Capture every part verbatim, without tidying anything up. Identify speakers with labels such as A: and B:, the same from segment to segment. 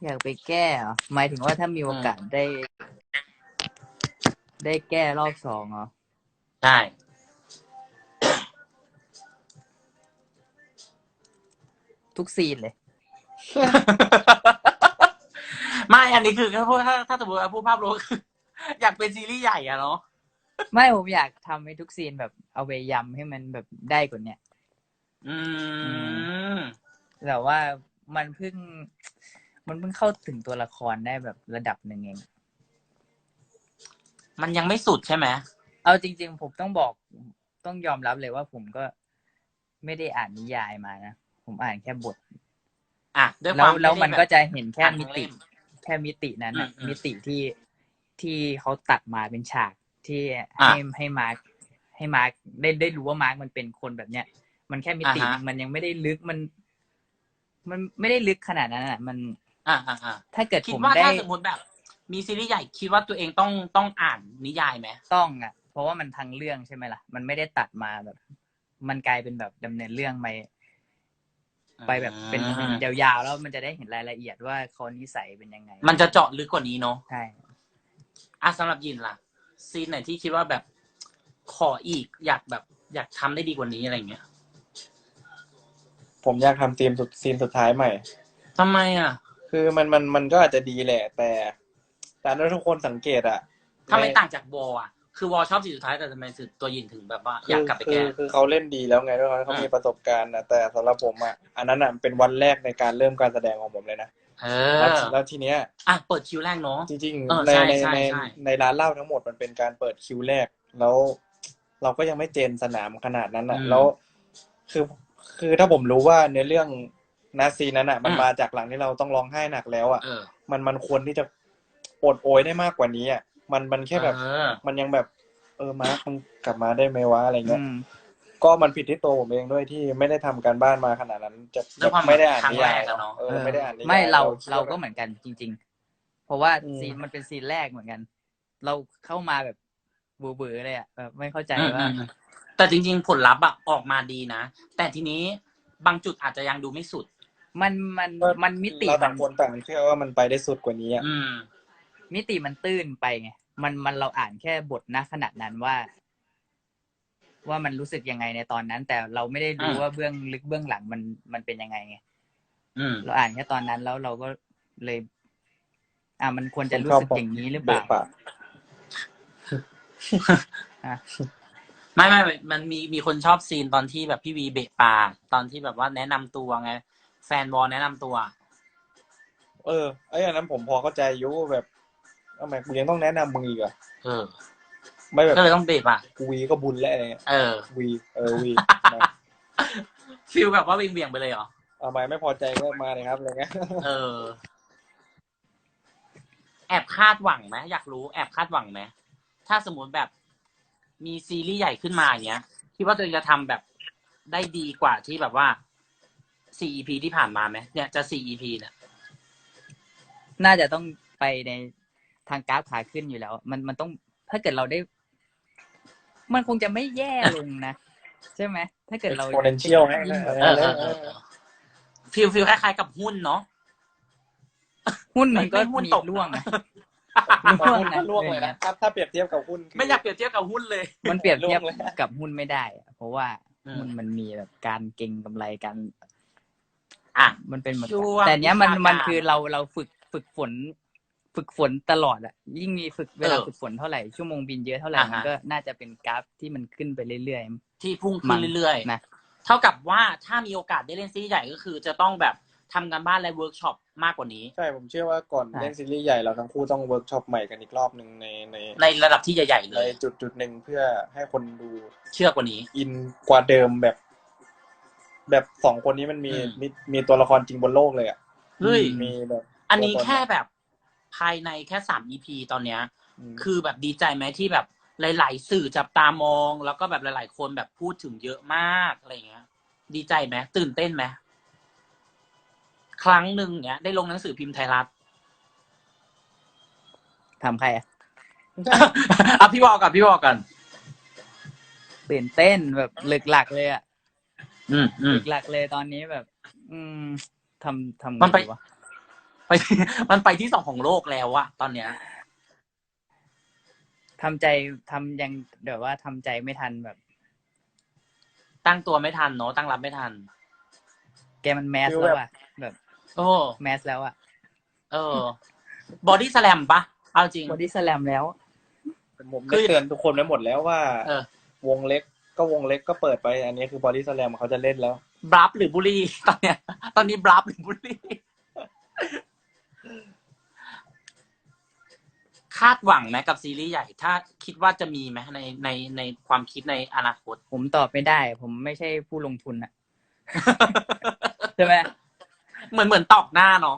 A: อยากไปแก้เหรอหมายถึงว่าถ้ามีโอกาสได้ ได้แก้รอบสองเหรอ
B: ใช่
A: ทุกซีนเลย
B: ไม่อันนี้คือถ้าพูดถ้าถ้าสมมติว่าพูดภาพรวมคืออยากเป็นซีรีส์ใหญ่อะเนาะ
A: ไม่ผมอยากทำให้ทุกซีนแบบเอาไปยำให้มันแบบได้กว่านี้
B: อืม
A: แต่ว่ามันเพิ่งมันเพิ่งเข้าถึงตัวละครได้แบบระดับหนึ่งเอง
B: มันยังไม่สุดใช่ไหม
A: เอาจริงๆผมต้องบอกต้องยอมรับเลยว่าผมก็ไม่ได้อ่านนิยายมานะผมอ่านแค่บท
B: อ่ะด้วยค
A: แล้ว
B: วาม
A: แล้วมันก็จะเห็นแค่มิติ แค่มิตินั้นอะมิติที่ที่เขาตัดมาเป็นฉากที่ให้ให้มาร์คให้มาร์คได้ได้รู้ว่ามาร์คมันเป็นคนแบบเนี้ยมันแค่มิตินึงมันยังไม่ได้ลึกมัน มันไม่ได้ลึกขนาดนั้นอ่ะมัน
B: อ่าอ่าอ่า
A: ถ้าเกิด
B: คิ
A: ผ
B: ดว่า
A: มได้
B: ถ้าสมมติแบบ มีซีรีส์ใหญ่คิดว่าตัวเองต้องต้องอ่านนิยายไหม
A: ต้องอ่ะเพราะว่ามันทั้งเรื่องใช่ไหมล่ะมันไม่ได้ตัดมาแบบ มันกลายเป็นแบบดำเนินเรื่องไปไปแบบเป็นยาวๆแล้วมันจะได้เห็นรายละเอียดว่าเขานิสัยเป็นยังไง
B: มันจะเจาะลึกกว่านี้เนาะ
A: ใช่
B: อ่ะสำหรับยินล่ะซีนไหนที่คิดว่าแบบขออีกอยากแบบอยากทำได้ดีกว่านี้อะไรเงี้ย
C: ผมอยากทำซีนสุดซีนสุดท้ายใหม่
B: ทำไมอ่ะ
C: คือมันมันมันก็อาจจะดีแหละ แต่แต่ถ้าทุกคนสังเกตอะ
B: ทำไมต่างจากวอลอ่ะคือวอลชอบซีนสุดท้ายแต่ทำไมตัวยินถึงแบบว่าอยากกลับไปแก้
C: คือคือเขาเล่นดีแล้วไงด้วยเขามีประสบการณ์นะแต่สำหรับผมอะอันนั้นอะเป็นวันแรกในการเริ่มการแสดงของผมเลยนะ
B: เออ
C: แล้วทีเนี้ย
B: อ่ะเปิดคิวแรกเนาะ
C: จริงๆในในในในร้านเหล้าทั้งหมดมันเป็นการเปิดคิวแรกแล้วเราก็ยังไม่เจนสนามขนาดนั้นอะแล้วคือคือถ้าผมรู้ว่าในเรื่องนาซีนั้นอ่ะมันมาจากหลังที่เราต้องร้องไห้หนักแล้วอ่ะมันมันควรที่จะโอดโอยได้มากกว่านี้อ่ะมันมันแค่แบบมันยังแบบเออมาร์คมึงกลับมาได้ไหมวะอะไรเงี้ยก็มันผิดที่ตัวผมเองด้วยที่ไม่ได้ทำการบ้านมาขนาดนั้นจะไม่ได้อ่านนิยายเนาะเออไม่ได้อ่านนิยาย
A: ไม่เราเราก็เหมือนกันจริงๆเพราะว่าซีนมันเป็นซีนแรกเหมือนกันเราเข้ามาแบบเบื่อๆเลยอ่ะแบบไม่เข้าใจว่า
B: แต่จริงๆผลลัพธ์อะออกมาดีนะแต่ทีนี้บางจุดอาจจะยังดูไม่สุด
A: มันมันมันมิติ
C: เราต่างคนต่างเชื่อว่ามันไปได้สุดกว่านี้อ่ะ
A: มิติมันตื้นไปไงมันมันเราอ่านแค่บทณขณะนั้นว่า ว่ามันรู้สึกยังไงในตอนนั้น แต่เราไม่ได้รู้ว่าเบื้องลึกเบื้องหลังมันมันเป็นยังไงไงเราอ่านแค่ตอนนั้นแล้วเราก็เลย อ่ามันควรจะรู้สึกอย่างนี้หรือเปล่า
B: ไม่ไม่มันมีมีคนชอบซีนตอนที่แบบพี่วีเบะปากตอนที่แบบว่าแนะนำตัวไงแฟนบอลแนะนำตัว
C: เออไอ้อันนั้นผมพอเข้าใจอยู่แบบทำไมกูยังต้องแนะนำมึงอีกอ่ะ
B: เออ
C: ไม่แบบ
B: ก็เลยต้องเบะปาก
C: วีก็บุญแล้วอะไรเงี้ย
B: เออ
C: วีเออวี
B: ฟีลแบบว่าเบี่ยงๆไปเลยเหรอ
C: ทำไมไม่พอใจก็มาเลยครับอะไรเงี้ย
B: เออแอบคาดหวังไหมอยากรู้แอบคาดหวังไหมถ้าสมมติแบบมีซีรีส์ใหญ่ขึ้นมาอย่างเงี้ยคิดว่าตัวเองจะทำแบบได้ดีกว่าที่แบบว่าสี่ อี พี ที่ผ่านมาไหมเนี่ยจะสี่ อี พี เนี่ย
A: น่าจะต้องไปในทางกราฟขาขึ้นอยู่แล้ว มันมันต้องถ้าเกิดเราได้ มันคงจะไม่แย่ลงนะใช่ไหมถ้าเกิดเรา
C: exponential ให้
B: ฟิลฟิลคล้ายๆกับหุ้นเนาะ
A: หุ้นมันก็มีร่วงนะ
C: ร่วงนะร่วงเลยนะถ้าถ้าเปรียบเทียบกับหุ้น
B: ไม่อยากเปรียบเทียบกับหุ้นเลย
A: มันเปรียบเทียบกับหุ้นไม่ได้เพราะว่าหุ้นมันมีแบบการเก็งกำไรกัน
B: อ่ะ
A: มันเป็นเหมือนแต่เนี้ยมันมันคือเราเราฝึกฝึกฝนฝึกฝนตลอดอ่ะยิ่งมีฝึกเวลาฝึกฝนเท่าไหร่ชั่วโมงบินเยอะเท่าไหร่มันก็น่าจะเป็นกราฟที่มันขึ้นไปเรื่อย
B: ๆที่พุ่งขึ้นเรื่อยๆนะเท่ากับว่าถ้ามีโอกาสได้เล่นซีรีส์ใหญ่ก็คือจะต้องแบบทำการบ้านและเวิร์กช็อปมากกว่านี้
C: ใช่ผมเชื่อว่าก่อนเล่นซีรีส์ใหญ่เราทั้งคู่ต้องเวิร์กช็อปใหม่กันอีกรอบนึงในใน
B: ในระดับที่ใหญ่ๆเลย
C: ในจุดจุดหนึ่งเพื่อให้คนดู
B: เชื่อกว่านี้
C: อินกว่าเดิมแบบแบบสองคนนี้มันมีมีมีตัวละครจริงบนโลกเลยอ่ะ
B: เฮ้ย
C: มีแบบ
B: อันนี้แค่แบบภายในแค่สาม อี พี ตอนเนี้ยคือแบบดีใจไหมที่แบบหลายๆสื่อจับตามองแล้วก็แบบหลายๆคนแบบพูดถึงเยอะมากอะไรเงี้ยดีใจไหมตื่นเต้นไหมครั้งหนึ่งเนี้ยได้ลงหนังสือพิมพ์ไทยรัฐ
A: ทำใครอ่ะ
B: อ่ะพี่บอกกันพี่บอกกัน
A: ตื่นเต้นแบบหลึกหลักเลยอ่ะ
B: อืมอืม
A: หลึกหลักเลยตอนนี้แบบ อืมทำทำ
B: มันไป
A: วะ
B: ไปมันไปที่สองของโลกแล้วอะตอนเนี้ย
A: ทำใจทำยังเดี๋ยวว่าทำใจไม่ทันแบบ
B: ตั้งตัวไม่ทันเนาะตั้งรับไม่ทัน
A: แกมันแมสแล้วอะแบบ
B: โอ้
A: แมสแล้วอะ
B: เออบอดี้สแลมปะเอาจริง
A: บอดี้สแลมแล้ว
C: ผมได้เตือนทุกคนไว้หมดแล้วว่า
B: เออ
C: วงเล็กก็วงเล็กก็เปิดไป อันนี้คือบอดี้สแลมเขาจะเล่นแล้ว
B: บลัฟหรือบุรีตอนเนี้ย ตอนนี้บลัฟหรือบุรีคาดหวังไหมกับซีรีส์ใหญ่ ถ้าคิดว่าจะมีไหมในในในความคิดในอนาคต
A: ผมตอบไม่ได้ ผมไม่ใช่ผู้ลงทุนอะ ใช่ไหม
B: เหมือนเหมือนตอกหน้าเนาะ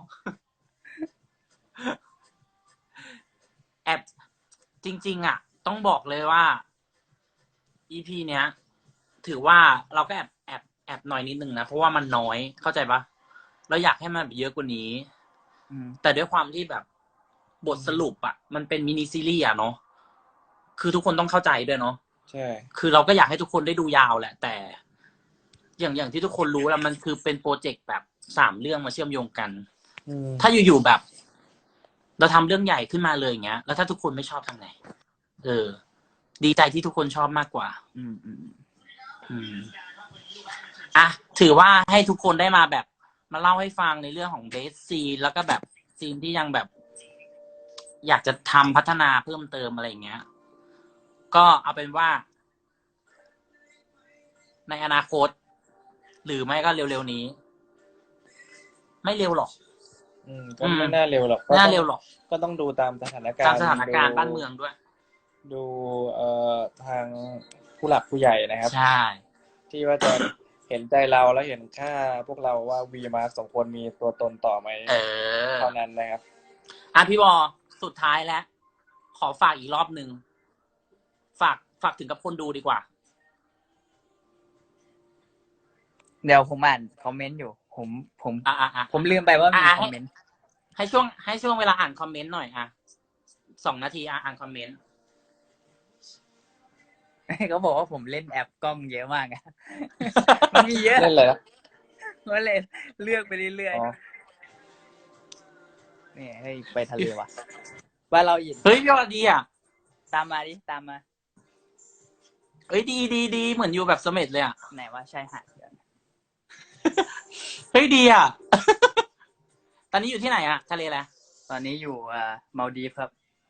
B: แอบจริง ๆ อ่ะ ต้องบอกเลยว่า อี พี เนี้ย ถือว่าเราก็แอบแอบแอบน้อยนิดนึงนะเพราะว่ามันน้อยเข้าใจปะเราอยากให้มันเยอะกว่านี้
A: อืม
B: แต่ด้วยความที่แบบบทสรุปอ่ะ มันเป็นมินิซีรีส์อ่ะเนาะคือทุกคนต้องเข้าใจด้วยเนาะ
C: ใช่
B: คือเราก็อยากให้ทุกคนได้ดูยาวแหละ แต่ อย่างอย่างที่ทุกคนรู้แล้วมันคือเป็นโปรเจกต์แบบสามเรื่องมาเชื่อมโยงกัน
C: อืม
B: ถ้าอยู่ๆแบบ เราทำเรื่องใหญ่ขึ้นมาเลยอย่างเงี้ย แล้วถ้าทุกคนไม่ชอบทำไงเออ ดีใจที่ทุกคนชอบมากกว่า
A: อืมอืม
B: อืมอ่ะถือว่าให้ทุกคนได้มาแบบ มาเล่าให้ฟังในเรื่องของเบสซีนแล้วก็แบบซีนที่ยังแบบ อยากจะทำพัฒนาเพิ่มเติมอะไรอย่างเงี้ย ก็เอาเป็นว่า ในอนาคต หรือไม่ก็เร็วๆนี้ ไม่เร็วหรอก
C: อืมก็ไม่น่าเร็วหรอก
B: ไม่น่าเร็วหรอก
C: ก็ต้องดูตามสถานการณ์
B: ตามสถานการณ์บ้านเมืองด้วย
C: ดูเอ่อทางผู้หลักผู้ใหญ่นะครับ
B: ใช่
C: ที่ว่าจะเห็นใจเราแล้วเห็นค่าพวกเราว่าวีมาสองคนมีตัวตนต่อไหม
B: เออ
C: เท่านั้นนะครับ
B: อ่ะพี่บอสุดท้ายแล้ว ขอฝากอีกรอบหนึ่งฝากฝากถึงกับคนดูดีกว่า
A: เดี๋ยวผมอ่านคอมเมนต์อยู่ ผมผม
B: อ่ะอ่ะอ่ะ
A: ผมลืมไปว่ามี
B: อ่ะ
A: คอมเมนต์
B: ให้ช่วงให้ช่วงเวลาอ่านคอมเมนต์หน่อยอ่ะสองนาทีอ่ะอ่านคอมเมนต์
A: เขาบอกว่าผมเล่นแอปกล้องเยอะมากอะ มันมีเยอะ
C: เล่นอะไรนะ
A: ก็เลยเลือกไปเรื่อย
C: อ๋อ
A: ๆนี่เฮ้ยไปทะเลว่ะว่าเราหยิน
B: เฮ้ยพี่บอดีอ่ะ
A: ตามมาดิตามมา
B: เอ้ยดีดีดีเหมือนอยู่แบบเสม็ดเลยอ่ะ
A: ไหนว่าใช่หาดเดี๋ยวนะ
B: เฮ้ยดีอ่ะ ตอนนี้อยู่ที่ไหนอ่ะทะเลแหละ
A: ตอนนี้อยู่อ่ามาลดีฟครับ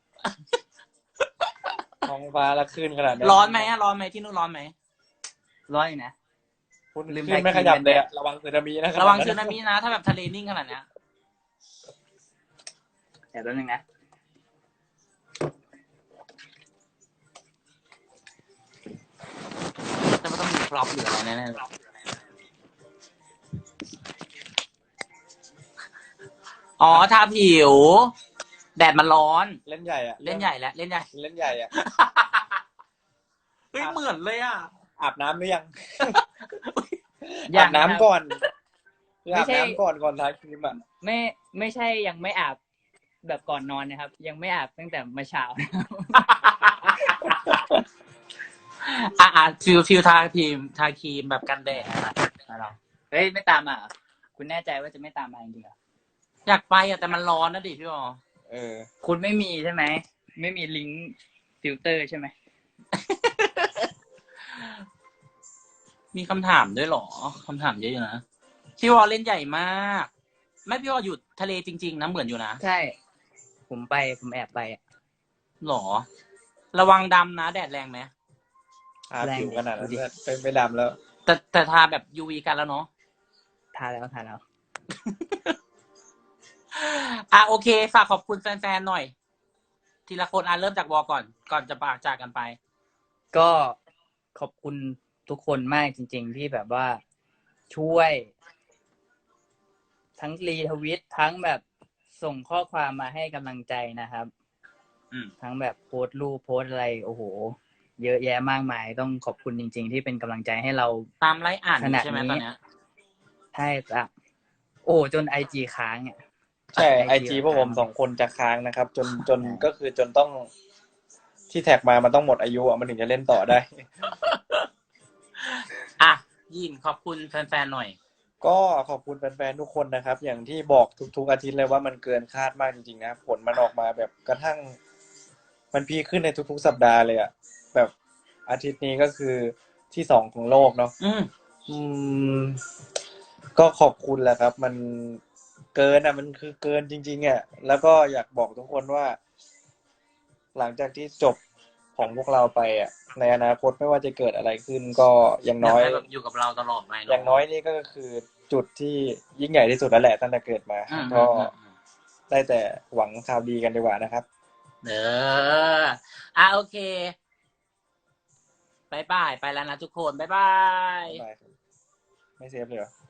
C: ท้องฟ้าละคลื่นขนาดนี้
B: ร้อนไหมอ่ะร้อนไหมที่นู่นร้อนไหม
A: ร้อยอยู่นะ
C: คุณ
A: ลืม
C: คลื่นไม่
A: ไทย
C: ขยับ
A: กิน
C: เลยอะระวังสึนามินะ
B: ระวังสึนามินะถ้าแบบทะเลนิ่งขนาดเนี้ย
A: เดี๋ยวแป๊บนึงนะ
B: แต่มันต้องมีพร็อพหรืออะไรแน่ๆเลยอ๋อทาผิว แดดมันร้อน
C: เล่นใหญ่อะ
B: เล่นใหญ่แล้วเล่นใหญ่
C: เล่นใหญ่อะ
B: เฮ้ยเหมือนเลยอ่ะ
C: อาบน้ำหรือยัง
A: ยั
C: อาง บน้ำ
A: ครับ
C: ก่อนคือ
A: ไม่
C: อาบ
A: ใช่
C: น้ำก่อนก่อนทาครีมอะ
A: ไม่ไม่ใช่ยังไม่อาบแบบก่อนนอนนะครับ ยังไม่อาบตั้งแต่เมื่อเช้า
B: อ่ะอ่ะฟิลฟิลทาครีมทาครีมแบบกันแดด
A: เราเฮ้ยไม่ตามมาเหรอคุณแน่ใจว่าจะไม่ตามมาจริงๆเหรอ
B: อยากไปอ่ะแต่มันร้อนนะดิพี่บอ
C: เออ
A: คุณไม่มีใช่ไหมไม่มีลิงก์ฟิลเตอร์ใช่ไหม
B: มีคำถามด้วยเหรอคำถามเยอะอยู่นะพี่วอเล่นใหญ่มากไม่พี่วออยู่ทะเลจริงๆนะเหมือนอยู่นะ
A: ใช่ ผมไปผมแอบไปอะ
B: หรอ ระวังดำนะแดดแรงไหม
C: ทาผิวขนาดนั้นเป็นไม่ดำแล้ว
B: แต่แต่ทาแบบ ยู วี กันแล้วเนาะ
A: ทาแล้วทาแล้ว
B: อ่ะโอเคฝากขอบคุณแฟนๆหน่อย ทีละคนอ่ะเริ่มจากวอก่อน ก่อนจะปากจากกันไป
A: ก็ขอบคุณทุกคนมากจริง ๆ ที่แบบว่าช่วย ทั้งรีทวิตทั้งแบบส่งข้อความมาให้กำลังใจนะครับ
B: อืม
A: ทั้งแบบโพสต์รูปโพสต์อะไรโอ้โห เยอะแยะมากมาย ต้องขอบคุณจริง ๆ ที่เป็นกำลังใจให้เรา
B: ตามไลฟ์อ่านอ
A: ข
B: ยู่
A: นาด
B: ใช่ไหม
A: นี้
B: ตอนเนี้ย
A: ใช่จ้ะโอ้จนไอจีค้างอ่ะ
C: ใช่ไอ
A: ไอ
C: จี
A: จี
C: พวกผมสองคนจะค้างนะครับ จนจนก็คือจนต้องที่แท็กมามันต้องหมดอายุอ่ะมันถึงจะเล่นต่อได้
B: อ่ะยินขอบคุณแฟนๆหน่อย
C: ก็ขอบคุณแฟนๆทุกคนนะครับ อย่างที่บอกทุกๆอาทิตย์เลยว่ามันเกินคาดมากจริงๆนะผลมันออกมาแบบกระทั่ง มันพีคขึ้นในทุกๆสัปดาห์เลยอะแบบอาทิตย์นี้ก็คือที่สองของโลกเนาะ
B: อืม
C: อืม ก็ขอบคุณแหละครับ มันเกินอ่ะมันคือเกินจริงๆอ่ะแล้วก็อยากบอกทุกคนว่า หลังจากที่จบของพวกเราไปอ่ะ ในอนาคตไม่ว่าจะเกิดอะไรขึ้น ก็อย่าง
B: อยา
C: น้
B: ก
C: อย
B: ให้แบบอยู่กับเราตลอดไปเนะ
C: อย่างน้อยนี่ก็คือจุดที่ยิ่งใหญ่ที่สุดแล้วแหละตั้งแต่เกิดมา
B: อืม
C: ก็
B: อืมอืม
C: ได้แต่หวังข่าวดีกันดีกว่านะครับ
B: เอออ่ะโอเคบายบายไปแล้วนะทุกคนบายบาย
C: บ๊ายบายครับไม่เซฟเลยเหรอ